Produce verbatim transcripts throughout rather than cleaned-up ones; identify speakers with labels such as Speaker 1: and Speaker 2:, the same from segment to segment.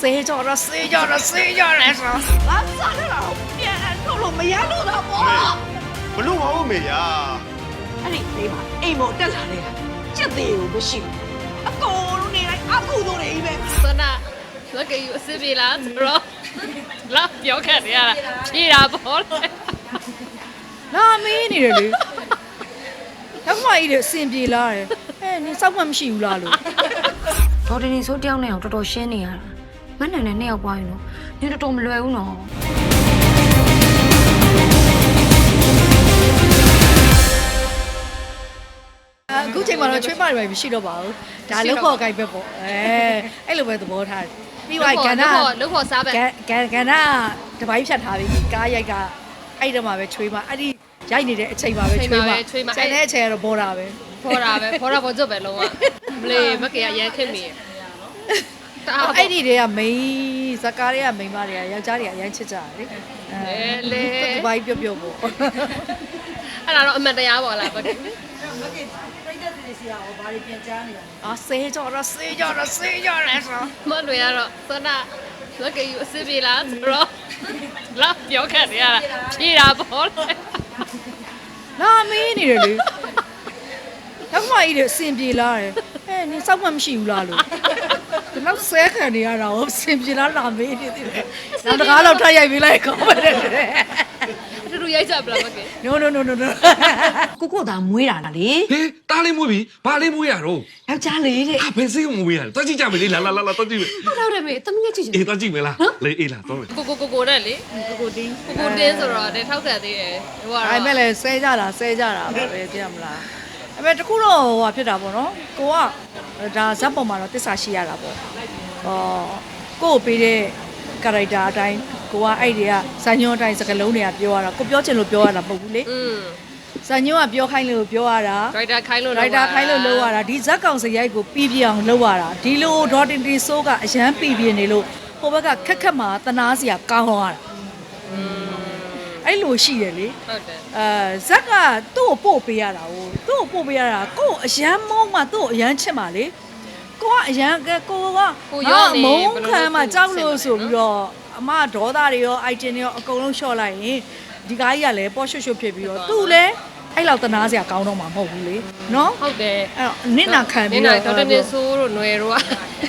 Speaker 1: ဆေးကြောတော့ဆေးကြောတော့ဆေးကြောလဲဆိုငါစားတယ်တော့ပြန်ထုတ်လို့မရလို့တော့ပေါ့
Speaker 2: ဘလို့မဟုတ်မေယာ
Speaker 1: အဲ့ဒီလေးပါအိမ်မောတက်လာနေတာကြက်သေးကိုမရှိဘူးအကုန်လုံးနေလိုက်အကူတို့နေကြီးပဲ
Speaker 3: စနာလက်ကယူအစ်ပြေလားဆိုတော့လာပြောခဲ့ရတာဖြေတာပေါ့လေ
Speaker 1: လာမင်းနေတယ်လေတော့မှကြီးတယ်အစင်ပြေလာတယ်အဲနင်စောက်မှမရှိဘူးလားလို့
Speaker 4: ဒေါ်တင်နေဆိုတယောက်နဲ့အောင်တော်တော်ရှင်းနေရတာမနှံနဲ့နှစ်ယောက်ပွားရင်တော့နင်တော်တော်မလွယ်ဘူးနော်
Speaker 1: အခုချိန်မှာတော့ချွေးမတွေပဲမရှိတော့ပါဘူးဒါလောက်ဖို့ကိုက်ပဲပေါ့အဲအဲ့လိုပဲသဘောထားတယ်ပြီးသွားကန္နာ
Speaker 3: လုတ်ဖို့စားပဲ
Speaker 1: ကန်ကန္နာတပိုင်းဖြတ်ထားပြီးကားရိုက်ကအဲ့တမှာပဲချွေးမအဲ့ဒီရိုက်နေတဲ့အချိန်မှာပဲချွေးမကျန်တဲ့အချိန်ကတော့ဘောတာပဲ
Speaker 3: ဖော်တာပဲဖော်တာပေါ်ကျွတ်ပဲလုံးဝမလေးမကေရရန်ခက်မိတာ
Speaker 1: အဲ့ဒီတွေကမိန်းဇကားတွေကမိန်းမတွေကယောက်ျားတွေကအရန်ချစ်ကြတယ်လေအဲလေတပိုင်းပြုတ်ပြုတ်ပေါ့
Speaker 3: အဲ့ဒါတော့အမှန်တရားပေါ့လားဘကေ
Speaker 1: အာဆေးကြောတော့ဆေးကြောတော့ဆေးကြောလဲဆို
Speaker 3: မလွယ်ရတော့စနာလက်ကယူအစ်ပြေလားဆိုတော့လာပြောခဲ့ရတာဖြေတာပေါ့လေ
Speaker 1: လာမင်းနေတယ်လေတော့မှကြီးတယ်အစင်ပြေလာတယ်အဲနင်စောက်မှမရှိဘူးလားလို့ဒီလောက်ဆဲခံနေရတာကိုအစင်ပြေလာလာမင်းနေတယ်နောက်တကားလောက်ထပ်ရိုက်ပေးလိုက်ကောင်းပါတယ်
Speaker 3: တူတူရိုက်ကြပလားဘကေ
Speaker 1: no no no no no
Speaker 5: ကိုကိုသာမွေးတာလားလေ
Speaker 6: ဟေးတားလေးမွေးပြီဘာလေးမွေးရတော့
Speaker 5: ယောက်ျားလေးတဲ့
Speaker 6: ဟာဘယ်စိတ်ကိုမွေးရလဲတွားကြည့်ကြမယ်လေလာလာလာလာတွားကြည့်မယ်
Speaker 3: ဟုတ်တော့တယ်မေတမငယ်ကြည့်ချင်
Speaker 6: အေးတွားကြည့်မယ်လားလေအေးလာတော့မယ်
Speaker 3: ကိုကိုကိုကိုနဲ့လေကိုကိုတင်းကိုကိုတင်းဆိုတော့တဲ့ထောက်ခံသေးတယ်ဟိုကတော့
Speaker 1: အဲ့မဲ့လဲဆဲကြတာဆဲကြတာပဲသိရမလားအဲ့မဲ့တခုတော့ဟိုဟာဖြစ်တာပေါ့နော်ကိုကဒါဇက်ပေါ်မှာတော့တစ္ဆာရှိရတာပေါ့ဟောကိုကိုပေးတဲ့ကာရိုက်တာအတိုင်းကိုကအဲ့တွေကဇာညွန်းအတိုင်းစကလုံးတွေကပြောရတာကိုပြောချင်လို့ပြောရတာမဟုတ်ဘူးလေ
Speaker 3: อืม
Speaker 1: ဇာညွန်းကပြောခိုင်းလို့ပြောရတာ
Speaker 3: ဒရိုက်တာခိုင်းလို့
Speaker 1: ဒရိုက်တာခိုင်းလို့လုပ်ရတာဒီဇက်ကောင်စရိုက်ကိုပြီးပြအောင်လုပ်ရတာဒီလိုဒေါ်တင်တီဆိုးကအရန်ပြီးပြနေလို့ဟိုဘက်ကခက်ခက်မှာတနာစရာကောင်းသွားတာ
Speaker 3: อืม
Speaker 1: အဲ့လိုရှိတယ်လေ
Speaker 3: ဟုတ်တယ်
Speaker 1: အဲဇက်ကသူ့ကိုပို့ပေးရတာဟိုသူ့ကိုပို့ပေးရတာကို့အရန်မုန်းမှသူ့အရန်ချစ်မှလေကိုကအရန်ကကိုကမုန်းခံမှကြောက်လို့ဆိုပြီးတော့အမဒေါသတွေရောအိုက်တင်တွေရောအကုန်လုံးလျှော့လိုက်ရင်ဒီကားကြီးကလည်းပေါ့ရွှွတ်ရွှွတ်ဖြစ်ပြီးတော့သူ့လည်းအဲ့လောက်တနာစရာကောင်းတော့မှာမဟုတ်ဘူးလေနော်
Speaker 3: ဟုတ်တယ်
Speaker 1: အဲ့တော့နင့်နာခံပြီး
Speaker 3: န
Speaker 1: တော့
Speaker 3: င်နာဒေါက်တာနေဆိုးတို့ຫນွယ်တို့က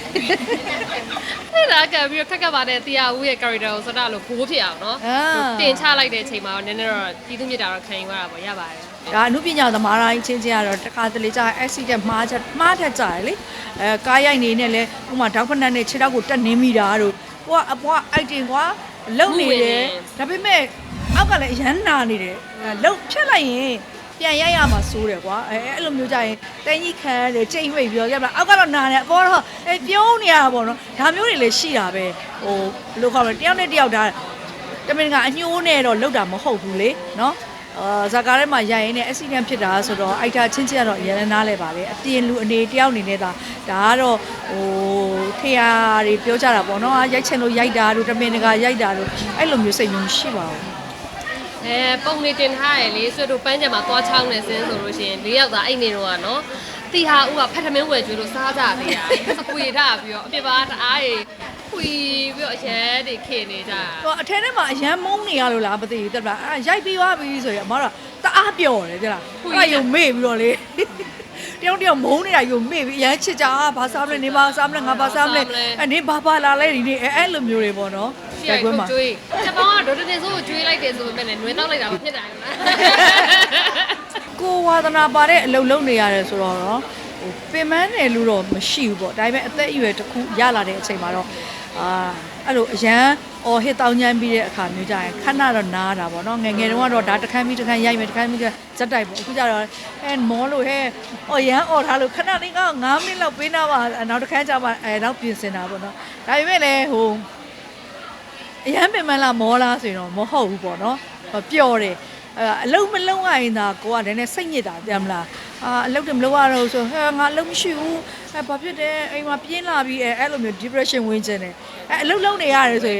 Speaker 3: အဲ့ဒါကပြီးတော့ခက်ခက်ပါတဲ့တရားဦးရဲ့ character ကိုစတာလို့ဘိုးဖြစ်အောင်နော်တင်ချလိုက်တဲ့အချိန်မှာတော့နည်းနည်းတော့ပြည်သူမြစ်တာတော့ခံယူရတာပေါ့ရပါတယ်
Speaker 1: ဒါအမှုပညာသမားတိုင်းချင်းချင်းကတော့တခါတလေကြာ accident မှားချက်မှားထက်ကြတယ်လေအဲကားရိုက်နေနဲ့လဲဥမာဒေါက်ဖနက်နဲ့ခြေထောက်ကိုတက်နင်းမိတာတို့ကိုကအပွားအိုက်တင်ကွာလုံနေတယ်ဒါပေမဲ့အောက်ကလည်းအရန်နာနေတယ်လုံဖြတ်လိုက်ရင်ပြန်ရိုက်ရမှာစိုးတယ်ကွာအဲအဲ့လိုမျိုးကြရင်တင်းကြီးခံရတယ်ချိန်ဝိတ်ပြီးတော့ကြက်လာအောက်ကတော့နာတယ်အပေါ်တော့အဲပြုံးနေရတာပေါ့နော်ဒါမျိုးတွေလည်းရှိတာပဲဟိုဘယ်လိုခေါ်မလဲတယောက်နဲ့တယောက်ဒါတမင်ကအညှိုးနဲ့တော့လောက်တာမဟုတ်ဘူးလေနော်အာဇာကားထဲမှာရိုက်ရင်းနဲ့ accident ဖြစ်တာဆိုတော့အိုက်တာချင်းချင်းကတော့အရင်နားလဲပါလေအပြင်လူအနေတယောက်အနေနဲ့ဒါဒါကတော့ဟိုထေယာတွေပြောကြတာပေါ့နော်ရိုက်ချင်လို့ရိုက်တာတို့တမင်တကာရိုက်တာတို့အဲ့လိုမျိုးစိတ်မျိုးရှိပါဘူး
Speaker 3: အဲပုံနေတင်ထားရလေဆွတ်တို့ပန်းကြံမှာသွားချောင်းနေစင်းဆိုလို့ရှိရင်၄ယောက်သားအိတ်နေတော့ကနော်တီဟာဦးကဖတ်ထမင်းဝယ်ကျွေးလို့စားကြသေးတာစပွေထားပြီးတော့အပြစ်ပါတအားကြီးခွီပြီးတော့အရဲတွေခေနေကြတာ
Speaker 1: ဟိုအထဲထဲမှာအရန်မုန်းနေရလို့လားမသိဘူးတက်လားအဲရိုက်ပြီးသွားပြီဆိုရင်အမတော့တအားပျော်တယ်ကြလားအဲ့ရုံမေ့ပြီးတော့လေတယောက်တယောက်မုန်းနေတာရုံမေ့ပြီးအရန်ချစ်ကြဘာစားမလဲနေပါစားမလဲငါဘာစားမလဲအနေဘာဘာလာလဲဒီနေ့အဲအဲ့လိုမျိုးတွေပေါ့နော်
Speaker 3: ရှိရထုတ်ကျွေးချက်ပေါင်းကဒေါ်တင်ဆိုးကိုကျွေးလိုက်တယ်ဆိုပေမဲ့လည်းနှွေးတော့လိုက်တာမဖြစ်နိုင်ဘူးလား
Speaker 1: ကိုဝါသနာပါတဲ့အလုပ်လုပ်နေရတယ်ဆိုတော့နော်ဟိုပင်မန်းတယ်လို့တော့မရှိဘူးပေါ့ဒါပေမဲ့အသက်အရွယ်တစ်ခုရလာတဲ့အချိန်မှာတော့အာအဲ့လိုအရန်အော်ဟစ်တောင်းချမ်းပြီးတဲ့အခါမျိုးကြရင်ခဏတော့နားတာပေါ့နော်ငယ်ငယ်တုန်းကတော့ဒါတစ်ခန်းပြီးတစ်ခန်းရိုက်မယ်တစ်ခန်းပြီးဇက်တိုက်ပေါ့အခုကျတော့အဲမောလို့ဟဲအော်ရန်အော်ထားလို့ခဏလေးကငါးမိနစ်လောက်ပေးနာပါနောက်တစ်ခန်းကျမှအဲနောက်ပြင်ဆင်တာပေါ့နော်ဒါပေမဲ့လည်းဟိုအရန်ပင်မန်းလားမောလားဆိုရင်တော့မဟုတ်ဘူးပေါ့နော်ပျော်တယ်အဲအလုံးမလုံးရရင်သာကိုကလည်းနည်းစိတ်ညစ်တာပြန်မလားအာအလုပ်တယ်မလုပ်ရတော့ဆိုဟဲငါအလုပ်မရှိဘူးအဲဘာဖြစ်တယ်အိမ်မှာပြင်းလာပြီးအဲအဲ့လိုမျိုး depression ဝင်ကျင်တယ်အဲအလုပ်လုပ်နေရတယ်ဆိုရင်ထ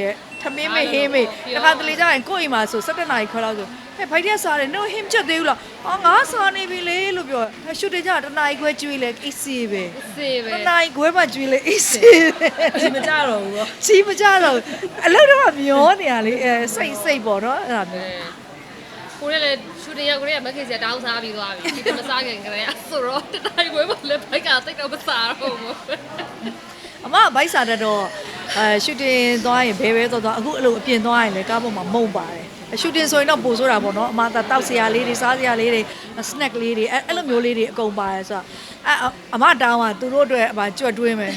Speaker 1: မင်းမေဟင်းမေတခါတလေကြရင်ကိုယ့်အိမ်မှာဆို၁၇နာရီခွဲလောက်ဆိုဟဲ့ဖိုက်တဲ့စားတယ်နော်ဟင်းချက်သေးဘူးလားအော်ငါစားနေပြီလေလို့ပြောရှူတင်ကြတနာရီခွဲကျွေးလေအေးစီပဲ
Speaker 3: စေပဲ
Speaker 1: တနာရီခွဲမှကျွေးလေအေးစီပဲဒီမကြတော့ဘူးပေါ့စီမကြတော့အလုပ်တော့မျောနေရလေအဲစိတ်စိတ်ပေါ့နော်အဲ့ဒါမျိုး
Speaker 3: ကိုရဲလေရှူတင်ရောက်ကိုရဲမခင်စတောင်းစားပြီးသွားပြီဒီတမစားခင်ကလေးဆိုတော့တတိုင်းဝဲမလဲဘိုက်ကတိတ်တော့မစားတော့ဘူး
Speaker 1: အမဘိုက်စားတတ်တော့အဲရှူတင်သွားရင်ဘဲဘဲသွားသွားအခုအဲ့လိုအပြင်သွားရင်လည်းကားပေါ်မှာမုံပါတယ်ရှူတင်ဆိုရင်တော့ပို့ဆိုတာပေါ့နော်အမသာတောက်စရာလေးတွေစားစရာလေးတွေ snack လေးတွေအဲ့အဲ့လိုမျိုးလေးတွေအကုန်ပါတယ်ဆိုတော့အအမတောင်းကသူတို့အတွက်အမကြွက်တွင်းမယ်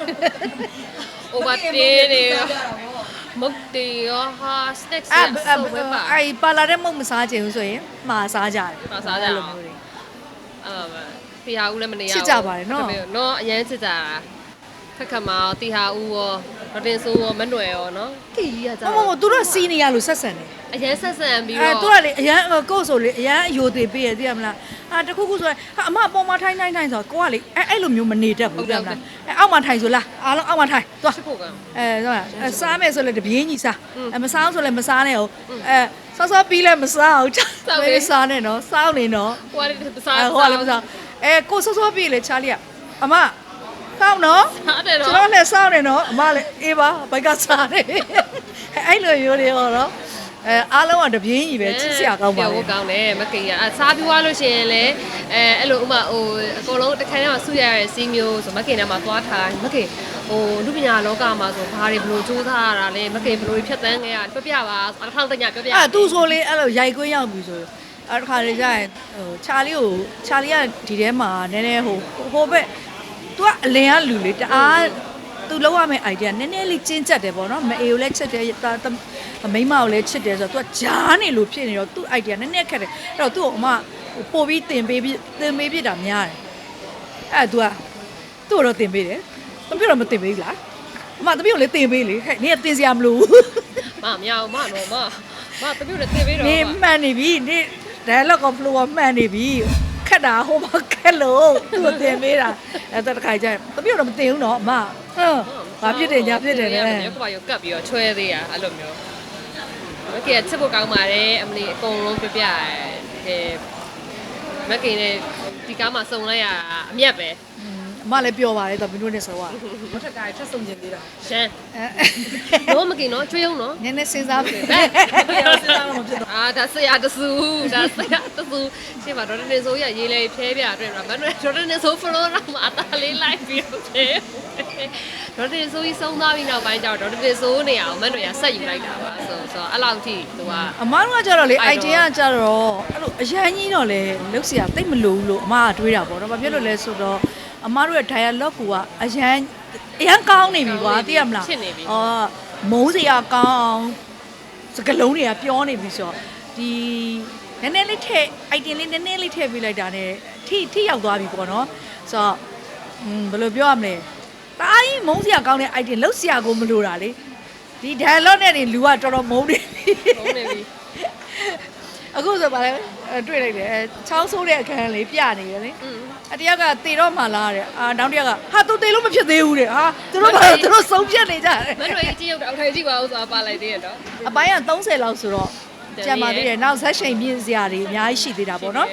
Speaker 3: over တင်းနေမုတ်တေရောဟာ snacks
Speaker 1: အဲ့
Speaker 3: ဆိုဝဲပါ
Speaker 1: အဲ့ပါလာတဲ့မုံမစားချင်ဘူးဆိုရင်မှာစားကြတယ်
Speaker 3: မှာစားကြအောင်
Speaker 1: လိုမျိုးတွေ
Speaker 3: အာတီဟာဦးလည်းမနေရ
Speaker 1: ချစ်ကြပါတယ်နော်
Speaker 3: နော်အရင်ချစ်ကြတာခက်ခက်မောင်တီဟာဦးရောရတင်ဆိုးရောမနှွယ်ရောနော်တီကြီးကကြာ
Speaker 1: မမမသူတို့စီနေရလို့ဆက်ဆံတယ်
Speaker 3: အရင်ဆက်ဆံပြီး
Speaker 1: အဲ
Speaker 3: တော့
Speaker 1: သူကလေအရန်ကို့ဆိုလေအရန်အယိုသေးပေးရသိရမလားအာတခုခုဆိုရင်ဟာအမအပေါ်မှာထိုင်းထိုင်းထိုင်းဆိုတော့ကိုကလေအဲအဲ့လိုမျိုးမနေတတ်ဘူးသိရမလားအဲအောက်မှာထိုင်ဆိုလားအားလုံးအောက်မှာထိုင်သွား
Speaker 3: ချစ်ဖို့က
Speaker 1: အဲဆိုစားမယ်ဆိုလဲတပြင်းကြီးစားအဲမစားဆိုလဲမစားနဲ့ဟုတ်အဲဆော့ဆော့ပြီးလဲမစားအောင်မေးစားနဲ့နော်စောင်းနေနော်
Speaker 3: ဟိုကလေစား
Speaker 1: အဲဟိုကလည်းမစားအဲကိုဆော့ဆော့ပြီးလေချာလီကအမစောင်းနော်
Speaker 3: စားတယ်
Speaker 1: ကျွန်
Speaker 3: နော်
Speaker 1: တော်လည်းစောင်းနေနော်အမလည်းအေးပါဘိုက်ကစားတယ်အဲ့လိုမျိုးတွေဟောတော့အဲအားလုံးကတပြင်းကြီးပဲချစ်စရာကောင်းပါ
Speaker 3: ပြော
Speaker 1: လေ
Speaker 3: ဖို့ကောင်းတယ်မကိရအစားပြီးသွားလို့ရှိရင်လည်းအဲအဲ့လိုဥမာဟိုအကုန်လုံးတစ်ခါတည်းမှာဆူရရတဲ့စီးမျိုးဆိုမကိနဲ့မှာသွားထားမကိဟိုလူပညာလောကမှာဆိုဘာတွေဘလို့စူးစမ်းရတာလဲမကိဘလို့ဖြတ်တန်းခဲ့ရပြပြပါအထောက်တညပြပြ
Speaker 1: အဲ့သူဆိုလေအဲ့လိုရိုက်ခွင်းရောက်ပြီဆိုအဲ့တစ်ခါလေကြာရင်ဟိုချာလီကိုချာလီကဒီထဲမှာနည်းနည်းဟိုဟိုဘက် तू ကအလင်ကလူလေတအား तू လောက်ရမယ့် idea နည်းနည်းလေးကျဉ်းကျက်တယ်ပေါ့နော်မအေကိုလည်းချစ်တယ်မိန်းမကိုလည်းချစ်တယ်ဆိုတော့ तू ဂျားနေလို့ဖြစ်နေတော့ तू idea နည်းနည်းခက်တယ်အဲ့တော့ तू ့အမပို့ပြီးတင်ပေးပြီးတင်ပေးပြတာများတယ်အဲ့ तू ကသူ့တော့တင်ပေးတယ်တပြည့်တော့မတင်ပေးဘူးလားအမတပြည့်ကိုလည်းတင်ပေးလေဟဲ့နင်ကတင်စရာမလိုဘူး
Speaker 3: မမအောင်မတော့မမတပြုတ်နဲ့တင်ပေးတော့
Speaker 1: နေမှန်နေပြီနေ dialogue က flow မှန်နေပြီခက်တာဟိုမှာခက်လို့သူ့တင်ပေးတာအဲ့တခါကျရင်တပြည့်တော့မတင်ဘူးနော်အမဟမ်ဘာဖြစ်တယ်ညာဖြစ်တယ်လေ
Speaker 3: ရုပ်ကပါရုပ်ကပ်ပြီးတော့ချွဲသေးရအဲ့လိုမျိုးမကိရချစ်ဖို့ကောင်းပါတယ်အမလီအကုန်လုံးပြပြရဲမကိနဲ့ဒီကားမှာစုံလိုက်ရအမျက်ပဲ
Speaker 1: အမလည်းပြောပါတယ်တော့မင်းတို့နဲ့ဆိုတော့
Speaker 5: မထက်ကထပ်ဆုံးကျင်သေးတာ
Speaker 3: ရှမ်းတော့မကိနော်ချွေးအောင်နော်
Speaker 1: နည်းနည်းစဉ်းစားပြီ
Speaker 5: ပြောစမ်းမဖြစ်တော့
Speaker 3: အာဒါဆရာတဆူဒါဆရာတဆူရှင်းပါဒေါ်တင်ဆိုးရရေးလေဖဲပြအတွက်မနက်ဒေါ်တင်ဆိုးဖလိုတော့မှာအသားလေးလိုက်ပြီးတော့ဖဲဒေါ်တင်ဆိုးကြီးဆုံးသွားပြီးနောက်ပိုင်းကျတော့ဒေါ်တင်ဆိုးနေအောင်မနက်ရဆက်ယူလိုက်တာပါဆိုဆိုအဲ့လောက်ထိသူက
Speaker 1: အမတို့ကကြတော့လေ idea ကကြတော့အဲ့လိုအရန်ကြီးတော့လေလုတ်เสียတိတ်မလို့လို့အမကတွေးတာပေါ့နော်ဘာဖြစ်လို့လဲဆိုတော့အမတို့ရဲ့ dialogue ကအရန်အရန်ကောင်းနေပြီကွာသိရမလားအော်မုန်းစရာကောင်းအောင်စကလုံးတွေကပြောနေပြီဆိုတော့ဒီနည်းနည်းလေးထည့် item လေးနည်းနည်းလေးထည့်ပေးလိုက်တာ ਨੇ ထိထိရောက်သွားပြီပေါ့နော်ဆိုတော့อืมဘယ်လိုပြောရမလဲတားကြီးမုန်းစရာကောင်းတဲ့ item လုတ်စရာကိုမလိုတာလေဒီ dialogue နဲ့နေလူကတော်တော်မုန်းနေပြီ
Speaker 3: မုန်းနေပြီ
Speaker 1: အခုဆိုပါလေတွေ့လိုက်တယ်ချောင်းဆိုးတဲ့အခန်းလေးပြနေတယ်လေ
Speaker 3: อืม
Speaker 1: အတယောက်ကတေတော့မှလားတဲ့အာနောက်တစ်ယောက်ကဟာသူတေလို့မဖြစ်သေးဘူးတဲ့ဟာသူတို့ကသူတို့ဆုံးဖြတ်နေကြတယ်
Speaker 3: မနှွေကြီးရောက်တော့အောက်ထိုင်ကြည့်ပါဦးဆိုတာပါလိုက်သေးရတော့
Speaker 1: အပိုင်းကသုံးဆယ်လောက်ဆိုတော့ကြံပါသေးတယ်နောက်ဆက်ချိန်မြင့်စရာတွေအများကြီးရှိသေးတာပေါ့နော်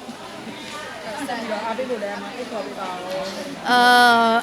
Speaker 5: အားပေးလို့လည်းမအိတ်ခေါ်ပေးပါတော့
Speaker 1: အာ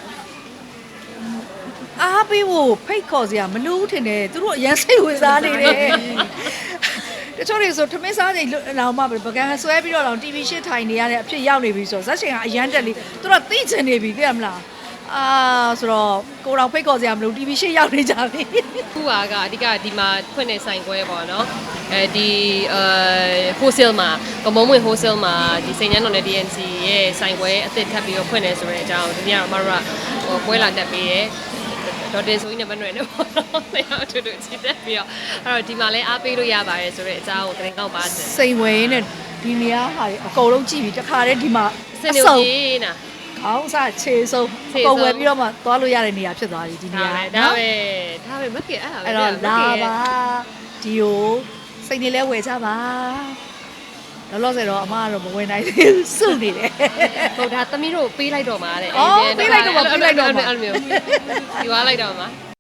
Speaker 1: အားပေးဖို့ဖိတ်ခေါ်စရာမလိုဘူးထင်တယ်သူတို့အရန်စိတ်ဝင်စားနေတယ်တချို့တွေဆိုထမင်းစားချိန်လောင်မှပကံဆွဲပြီးတော့လောင် တီ ဗီ ရှစ်ထိုင်နေရတဲ့အဖြစ်ရောက်နေပြီဆိုတော့ဇက်ချိန်ကအရန်တက်လေးသူတို့သိချင်နေပြီသိရမလားအာဆိုတော့ကိုတော်ဖိတ်ခေါ်စရာမလို တီ ဗီ ရှစ်ရောက်နေကြပြီ
Speaker 3: ခုကအဓိကဒီမှာဖွင့်နေဆိုင်ခွဲပေါ့နော်အဲဒီအဲ wholesale မှာကမုံဝင် wholesale မှာဒီစိန်ညန်းတော်နဲ့ ဒီ အန် စီ ရဲ့ဆိုင်ခွဲအသစ်ထပ်ပြီးတော့ဖွင့်နေဆိုတဲ့အကြောင်းဒီနေ့ကတော့မတို့ကဟိုပွဲလာတက်ပေးရဲဒေါ်တင်ဆိုင်းနဲ့မနှွယ်နဲ့ပေါ့နော်။တရားအထူးထူးချစ်တက်ပြီးတော့အဲ့တော့ဒီမှာလည်းအားပေးလို့ရပါတယ်ဆိုတဲ့အကြောင်းကိုတင်ကောက်ပါတယ်
Speaker 1: စိန်ဝဲနဲ့ဒီနေရာဟာတွေအကုန်လုံးကြည့်ပြီးတခါတည်းဒီမှာ
Speaker 3: ။စနေကြီးနာ
Speaker 1: ခေါင်းစားခြေဆုံးအကုန်ဝယ်ပြီးတော့မှသွားလို့ရတဲ့နေရာဖြစ်သွားပြီဒီနေရာ
Speaker 3: ဒါပဲဒါပဲမကဲအဲ့ဒါပဲ
Speaker 1: အဲ့တော့လာပါဒီကိုစိတ်နေလဲဝယ်ကြပါလောလောဆယ်တော့အမကတော့မဝင်နိုင်သေးဘူးစုနေတယ်
Speaker 3: ဟုတ်ဒါသမီးတို့ပေးလိုက်တော့မှာတဲ့
Speaker 1: အော်ပေးလိုက်တော့မှာပေးလိုက်တော့မှာ
Speaker 3: အဲ့လိုမျိုးဒီွားလိုက်တော့မှာ